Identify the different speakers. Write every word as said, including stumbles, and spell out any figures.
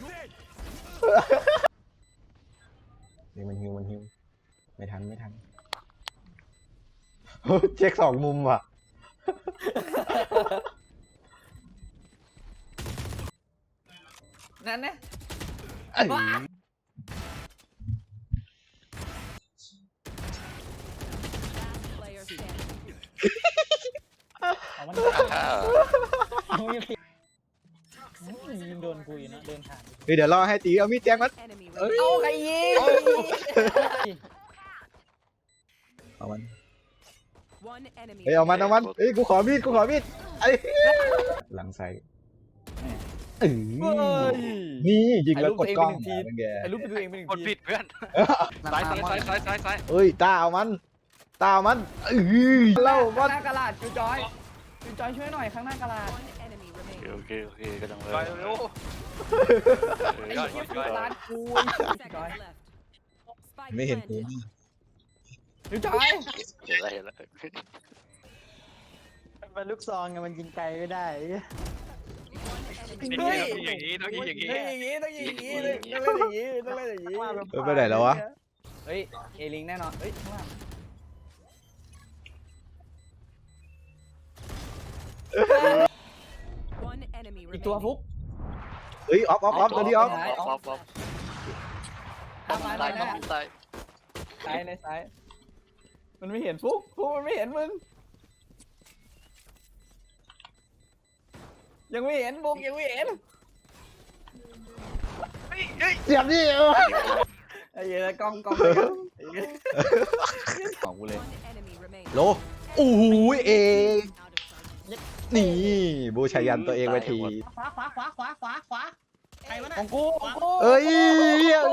Speaker 1: เดี๋ยวมันฮิวมันฮิวไม่ทันไม่ทันเช็คสองมุมว่ะ
Speaker 2: นั่นนะ
Speaker 3: เอามันยิงโดนกูอยู่นะเดินผ่าน
Speaker 1: เฮ้ยเดี๋ยวรอให้ตีเอามีดแจ้งมัน
Speaker 2: เอาใครยิง
Speaker 1: เอามันเฮ้ยเอามันเอามันเฮ้ยกูขอมีดกูขอมีดไอ้หลังใส่เอ้ยนี่ยิงแล้วกดกล้องเป็นไง
Speaker 3: ไอ้รูปไปดูเองเป็นหนึ่ง
Speaker 4: กด
Speaker 3: ที
Speaker 4: ผิดเพื่อนซ้ายซ้ายซ้ายซ้ายซ้ายซ้าย
Speaker 1: เอ้ยตาเอามันตาเอามันเอ้ยเล่า
Speaker 2: ข้า
Speaker 1: ว่าง
Speaker 2: หน้ากระดาษจูจอยจูจอยช่วยหน่อยข้างหน้ากระดาษ
Speaker 4: โอเคโอเคกำลังเลย
Speaker 5: ไปเร็ว
Speaker 2: ไอ้เหี้ยฟูร้านกูจูจอย
Speaker 1: ไม่เห็นกู
Speaker 2: จูจอย
Speaker 4: เห็นแล้วเห็นแล้ว
Speaker 3: มันลูกซองไงมันยิงไกลไม่ได้
Speaker 4: นี่ต้องอย่างนี้ต้องอย่างนี้
Speaker 2: ต้องอย่างนี้ต้องอย่างนี้ต้องเล่นอย่างนี้ต้องเล่นอย่างนี้
Speaker 1: เออไปไหนแล้ววะ
Speaker 2: เฮ้ยเอลิงแน่นอนเฮ้ยข้างล่างอีกตัวฟุก
Speaker 1: เฮ้ยออฟออฟออฟตัวนี้ออฟ
Speaker 4: ออฟออฟ
Speaker 2: ตามมาหน่
Speaker 4: ตา
Speaker 2: อย ย
Speaker 4: ต้อ
Speaker 2: นะ
Speaker 4: งตาย
Speaker 2: ซ้ายในซ้ายมันไม่เห็นฟุกฟุกมันไม่เห็นมึงยังไม่เห็นฟุกยังไม่เห็น
Speaker 1: เสียบดิเออ
Speaker 2: ไอ้เหี้ยกล้องกล้องของกูเลย
Speaker 1: โลโอ้โหเองนี่บูชายันตัวเองไปที
Speaker 3: ขวาขวาขวาขวาขวาขวาใครวะ
Speaker 2: ข
Speaker 3: น่ะ
Speaker 2: องกูของกู
Speaker 1: เอ้ย